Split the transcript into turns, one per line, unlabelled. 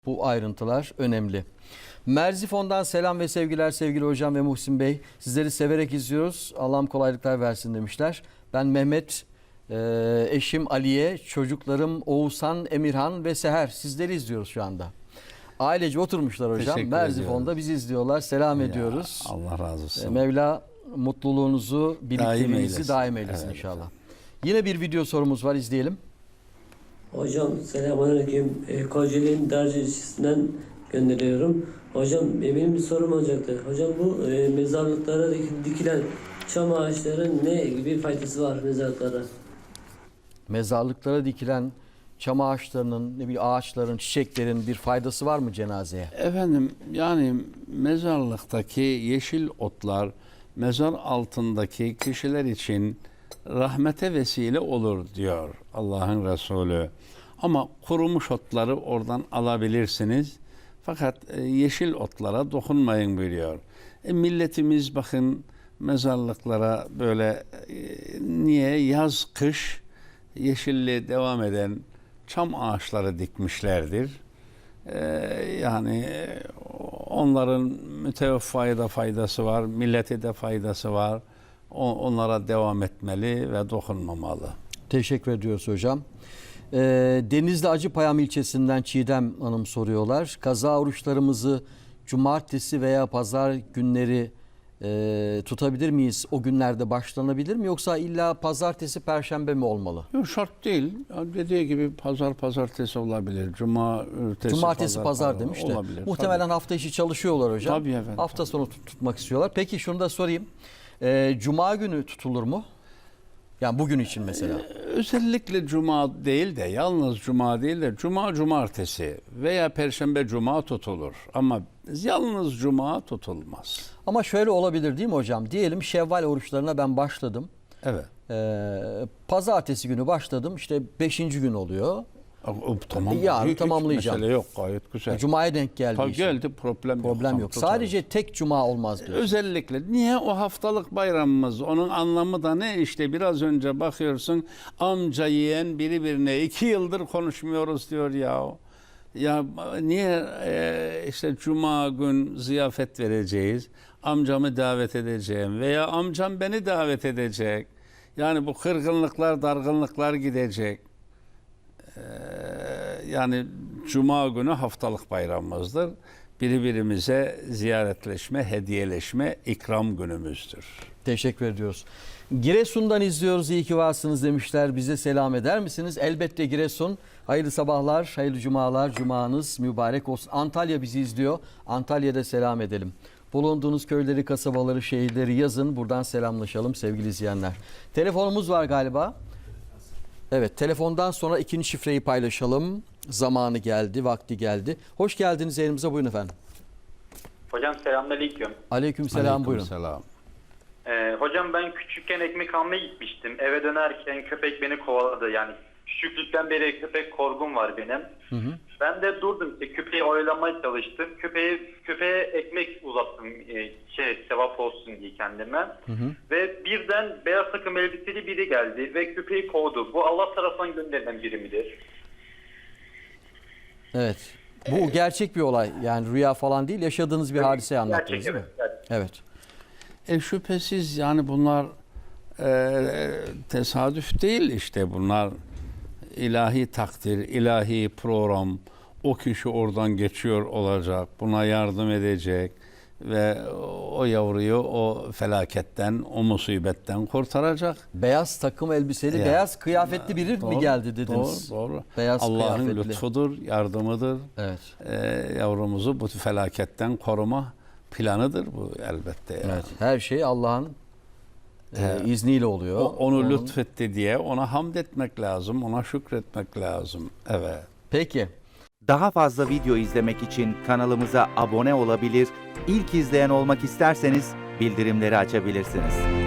Bu ayrıntılar önemli. Merzifon'dan selam ve sevgiler sevgili hocam ve Muhsin Bey. Sizleri severek izliyoruz. Allah'ım kolaylıklar versin demişler. Ben Mehmet, eşim Aliye, çocuklarım Oğuzhan, Emirhan ve Seher. Sizleri izliyoruz şu anda. Ailece oturmuşlar hocam.
Teşekkür
Merzifon'da
ediyoruz.
bizi izliyorlar. Selam ediyoruz.
Allah razı olsun.
Mevla mutluluğunuzu, birlikteliğinizi daim eylesin
Evet.
inşallah. Yine bir video sorumuz var, izleyelim.
Hocam selamünaleyküm. Kocaeli'nin Darcı'sından gönderiyorum. Hocam benim bir sorum olacaktı. Hocam bu mezarlıklara dikilen çam ağaçların ne gibi faydası var mezarlıklara?
Mezarlıklara dikilen çam ağaçlarının, ne bileyim ağaçların, çiçeklerin bir faydası var mı cenazeye?
Efendim yani mezarlıktaki yeşil otlar mezar altındaki kişiler için rahmete vesile olur diyor Allah'ın Resulü. Ama kurumuş otları oradan alabilirsiniz. Fakat yeşil otlara dokunmayın buyuruyor. Milletimiz bakın mezarlıklara böyle niye yaz kış yeşilliğe devam eden çam ağaçları dikmişlerdir. Yani onların müteveffaya da faydası var, millete de faydası var. Onlara devam etmeli ve dokunmamalı.
Teşekkür ediyoruz hocam. Denizli Acıpayam ilçesinden Çiğdem Hanım soruyorlar. Kaza oruçlarımızı cumartesi veya pazar günleri tutabilir miyiz? O günlerde başlanabilir mi? Yoksa illa pazartesi, perşembe mi olmalı?
Yok, şart değil. Dediği gibi pazartesi olabilir. Cumartesi
pazar demiş de.
olabilir.
Muhtemelen
Tabii.
hafta içi çalışıyorlar hocam.
Tabii efendim.
Hafta sonu tutmak istiyorlar. Peki şunu da sorayım. Cuma günü tutulur mu? Yani bugün için mesela.
Özellikle cuma değil de yalnız cuma değil de cumartesi veya perşembe cuma tutulur. Ama yalnız cuma tutulmaz.
Ama şöyle olabilir değil mi hocam? Diyelim Şevval oruçlarına ben başladım.
Evet.
Pazartesi günü başladım. İşte 5. gün oluyor.
Tamam.
Yarın
Hiç
tamamlayacağım.
mesele yok, gayet güzel.
Cuma'ya denk geldi.
Tabii
işte.
geldi, problem yok.
Problem yok.
Tutarız.
Sadece tek cuma olmaz diyor.
Özellikle niye o haftalık bayramımız, onun anlamı da ne? İşte biraz önce bakıyorsun amca yeğen birbirine 2 yıldır konuşmuyoruz diyor ya. Ya niye işte cuma gün ziyafet vereceğiz, amcamı davet edeceğim veya amcam beni davet edecek. Yani bu kırgınlıklar, dargınlıklar gidecek. Yani cuma günü haftalık bayramımızdır. Birbirimize ziyaretleşme, hediyeleşme, ikram günümüzdür.
Teşekkür ediyoruz. Giresun'dan izliyoruz. İyi ki varsınız demişler. Bize selam eder misiniz? Elbette Giresun. Hayırlı sabahlar, hayırlı cumalar. Cumanız mübarek olsun. Antalya bizi izliyor. Antalya'da selam edelim. Bulunduğunuz köyleri, kasabaları, şehirleri yazın. Buradan selamlaşalım sevgili izleyenler. Telefonumuz var galiba. Evet, telefondan sonra ikinci şifreyi paylaşalım. Zamanı geldi, vakti geldi. Hoş geldiniz yayınımıza, buyurun efendim.
Hocam selamünaleyküm.
Aleykümselam, buyurun.
Selam.
Hocam ben küçükken ekmek almaya gitmiştim. Eve dönerken köpek beni kovaladı. Yani küçüklükten beri köpek korkum var benim. Hı. Ben de durdum, işte köpeği oyalamaya çalıştım. Köpeğe ekmek uzattım, sevap olsun diye kendime. Hı. Ve birden beyaz takım elbiseli biri geldi ve köpeği kovdu. Bu Allah tarafından gönderilen biri midir?
Evet. Bu gerçek bir olay. Yani rüya falan değil, yaşadığınız bir hadiseyi anlattınız
gerçek,
değil mi?
Evet.
Evet.
Şüphesiz yani bunlar tesadüf değil, işte bunlar ilahi takdir, ilahi program. O kişi oradan geçiyor olacak, buna yardım edecek ve o yavruyu o felaketten, o musibetten kurtaracak.
Beyaz takım elbiseli,
Ya,
beyaz kıyafetli biri mi geldi dediniz?
Doğru.
Beyaz
Allah'ın
kıyafetli.
lütfudur, yardımıdır.
Evet.
Yavrumuzu bu felaketten koruma planıdır bu elbette. Yani.
Evet. Her şey Allah'ın izniyle oluyor.
Onu lütfetti diye ona hamd etmek lazım, ona şükretmek lazım. Evet.
Peki.
Daha fazla video izlemek için kanalımıza abone olabilir, ilk izleyen olmak isterseniz bildirimleri açabilirsiniz.